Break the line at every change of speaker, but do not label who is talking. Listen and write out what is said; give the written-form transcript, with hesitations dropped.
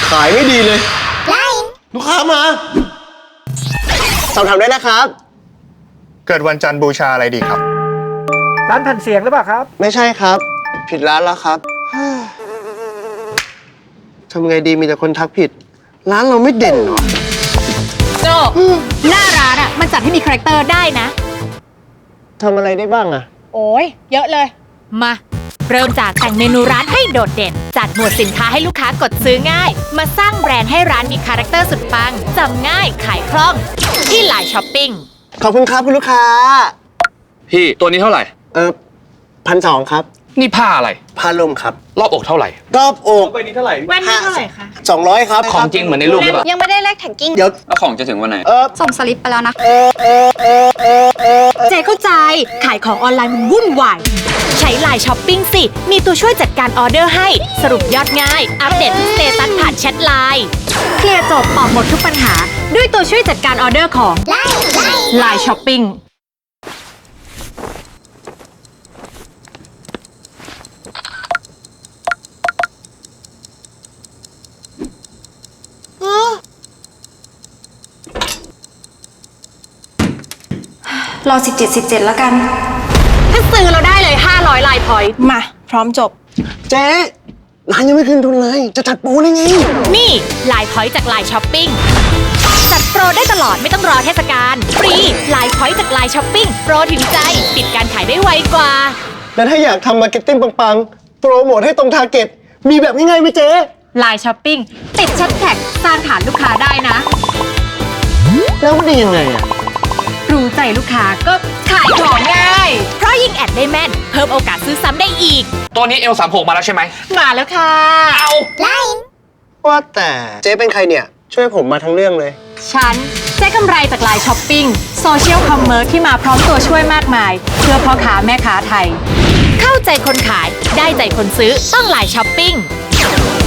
ขายไม่ดีเลยลูกค้ามาสอบถามได้นะครับ
เกิดวันจันทร์บูชาอะไรดีครับ
ร้านแผ่นเสียงหรือเปล่าครับ
ไม่ใช่ครับ ผิดร้านแล้วครับทำไงดีมีแต่คนทักผิด ร้านเราไม่เด่นหรอ
โจหน้าร้านอ่ะมันจัดให้มีคาแรคเตอร์ได้นะ
ทำอะไรได้บ้างอะ
โอ้ยเยอะเลย มาเริ่มจากแต่งเมนูร้านให้โดดเด่น จัดหมวดสินค้าให้ลูกค้ากดซื้อง่าย มาสร้างแบรนด์ให้ร้านมีคาแรคเตอร์สุดปังจำง่ายขายคล่องที่ไลน์ช้อปปิ้ง
ขอบคุณครับคุณลูกค้า
พี่ตัวนี้เท่าไหร่
1,200ครับ
นี่ผ้าอะไร
ผ้าลมครับ
รอบอกเท่าไหร่
รอบอก
ไปนี้เท่าไหร่
แว่นนี่เท่าไหร่คะ
200ครับ
ของจริงเหมือนในรูปหรือเปล่า
ยังไม่ได้เลขแท็กกิ้ง
เดี๋ยว
แล้วของจะถึงวันไหน
ส่งสลิปไปแล้วนะ
เจเข้าใจขายของออนไลน์มันวุ่นวายใช้ไลน์ช้อปปิ้งสิ มีตัวช่วยจัดการออเดอร์ให้สรุปยอดง่าย อัปเดตทุกสเตตัสผ่านแชทไลน์เคลียร์จบตอบหมดทุกปัญหา ด้วยตัวช่วยจัดการออเดอร์ของไลน์ช้อปปิ้ง
รอ17แล้วกัน
ถ้าซื้อเราได้เลย 500 ไลน์พอยต์
มา พร้อมจบ
เจ๊ร้านยังไม่คืนทุนเลย จะจัดโปรได้ไง
นี่ไลน์พอยต์จากไลน์ช้อปปิ้งจัดโปรได้ตลอดไม่ต้องรอเทศกาลฟรีไลน์พอยต์จากไลน์ช้อปปิ้งโปรถึงใจปิดการขายได้ไวกว่า
แล้วถ้าอยากทำมาร์เก็ตติ้งปังๆ โปรโมทให้ตรงทาร์เก็ต มีแบบง่ายๆไหมเจ๊
ไลน์ช้อปปิ้งติดแชทแท็กสร้างฐานลูกค้าได้นะ
แล้วมันดียังไงอะ
รู้ใจลูกค้าก็ขายของง่าย เพราะยิ่งแอดได้แม่น เพิ่มโอกาสซื้อซ้ำได้อีก
ตัวนี้ L36 มาแล้วใช่ไหม
มาแล้วค่ะ
เอา
ว่าแต่เจ๊เป็นใครเนี่ย ช่วยผมมาทั้งเรื่องเลย
ฉันได้กำไรจากไลน์ช้อปปิ้งโซเชียลคอมเมอร์ที่มาพร้อมตัวช่วยมากมาย เพื่อพ่อค้าแม่ค้าไทย เข้าใจคนขายได้ใจคนซื้อต้องไลน์ช้อปปิ้ง